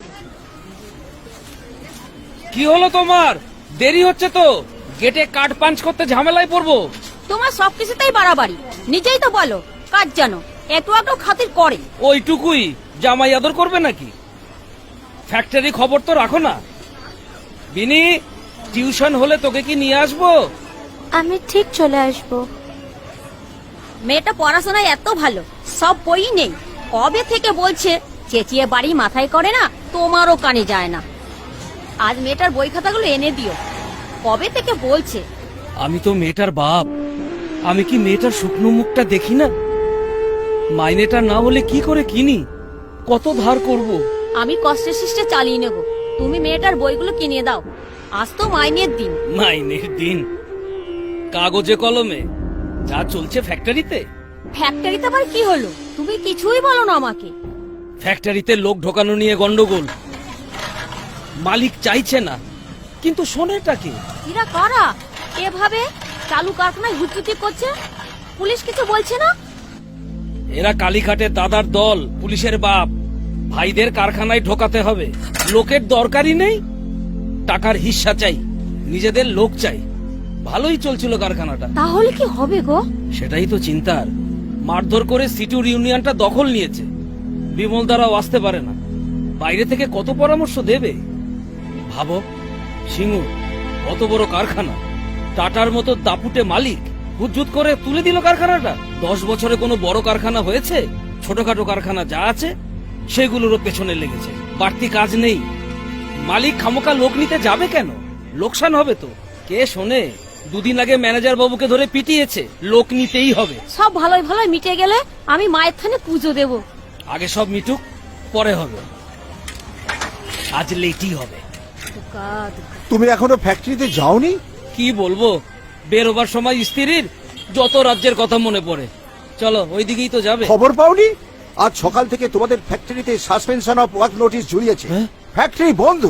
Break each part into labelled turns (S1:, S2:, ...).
S1: কি হলো তোমার? দেরি হচ্ছে তো, গেটে কার্ড পাঞ্চ করতে ঝামেলায় পড়বো।
S2: তোমার সবকিছুতেই বাড়াবাড়ি, নিজেই তো বলো কাজ জানো, একটু একটু খাতির করে।
S1: ওইটুকুই জামাই আদর করবে নাকি? ফ্যাক্টরি খবর তো রাখো না। বিনি, টিউশন হলে তোকে কি নিয়ে আসবো?
S3: আমি ঠিক চলে আসবো।
S2: মেয়েটা পড়াশোনায় এত ভালো, সব বই নেই। কবে থেকে বলছে চেঁচিয়ে বাড়ি মাথায় করে না, তোমারও কানে যায় না। আজ মেয়েটার বই খাতাগুলো এনে দিও, কবে থেকে বলছে।
S1: আমি তো মেয়েটার বাপ, আমি কি মেয়েটার শুকনো মুখটা দেখি না? মাইনেটা না হলে কি করে কিনি? কত ধার করব?
S2: আমি কষ্টে শিষ্টে চালিয়ে নেব, তুমি মেয়েটার বইগুলো কিনে দাও। আজ তো মাইনের দিন।
S1: মাইনের দিন? কাগজে কলমে যা চলছে ফ্যাক্টরিতে।
S2: ফ্যাক্টরিতে আবার কি হলো? তুমি কিছুই বলো না আমাকে।
S1: ফ্যাক্টরিতে লোক ঢোকানো নিয়ে গন্ডগোল, মালিক চাইছে না, কিন্তু শোনেটা কি?
S2: এরা কারা এভাবে চালু কারখানায় হুটহুটি করছে? পুলিশ কিছু বলছে না?
S1: এরা কালীঘাটের দাদার দল, পুলিশের বাপ। ভাইদের কারখানায় ঢোকাতে হবে, লোকের দরকারই নেই। টাকার হিস্সা চাই, নিজেদের লোক চাই। ভালোই চলছিল কারখানাটা।
S2: তাহলে কি হবে গো?
S1: সেটাই তো চিন্তার। মারধর করে সিটুর ইউনিয়নটা দখল নিয়েছে। বিমল দ্বারাও আসতে পারে না, বাইরে থেকে কত পরামর্শ দেবে ভাবো। সিংহ কত বড় কারখানা, টাটার মতো দাপুটে মালিক হুজ্জুত করে তুলে দিল কারখানাটা। 10 বছরে কোনো বড় কারখানা হয়েছে? ছোটখাটো কারখানা যা আছে সেগুলোরও পেছনে লেগেছে। বাড়তি কাজ নেই, মালিক খামোকা লোক নিতে যাবে কেন? লোকসান হবে তো। কে শোনে? দুদিন আগে ম্যানেজার বাবুকে ধরে পিটিয়েছে। লোক নিতেই হবে।
S2: সব ভালোই ভালোই মিটে গেলে আমি মায়ের থানে পুজো দেব।
S1: আগে সব মিটুক, পরে হবে। আজ লেটই হবে।
S4: তুমি এখনো ফ্যাক্টরিতে যাওনি?
S1: কি বলবো, বেরোবার সময় স্ত্রীর যত রাজ্যের কথা মনে পড়ে। চলো ওইদিকেই তো যাবে।
S4: খবর পাওনি? আজ সকাল থেকে তোমাদের ফ্যাক্টরিতে সাসপেনশন অফ ওয়ার্ক নোটিশ ঝুলিয়েছে।
S1: হ্যাঁ?
S4: ফ্যাক্টরি বন্ধ।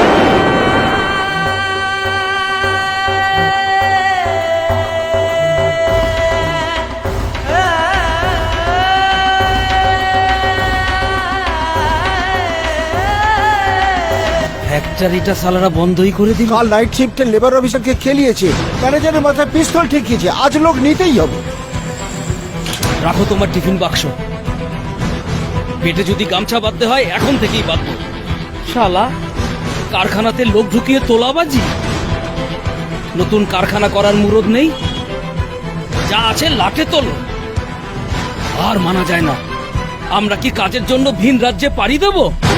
S1: ফ্যাক্টরিটা সালারা বন্ধই করে দিল।
S4: কাল নাইট শিফটের লেবার অফিসারকে খেলিয়েছে, ম্যানেজারের মাথায় পিস্তল ঠেকিয়েছে। আজ লোক নিতেই হবে।
S1: রাখো তোমার টিফিন বাক্স, পেটে যদি গামছা বাঁধতে হয় এখন থেকেই বাঁধবো। শালা কারখানাতে লোক ঢুকিয়ে তোলাবাজি। নতুন কারখানা করার মুরদ নেই, যা আছে লাটে তোলো। আর মানা যায় না। আমরা কি কাজের জন্য ভিন রাজ্যে পাড়ি দেব?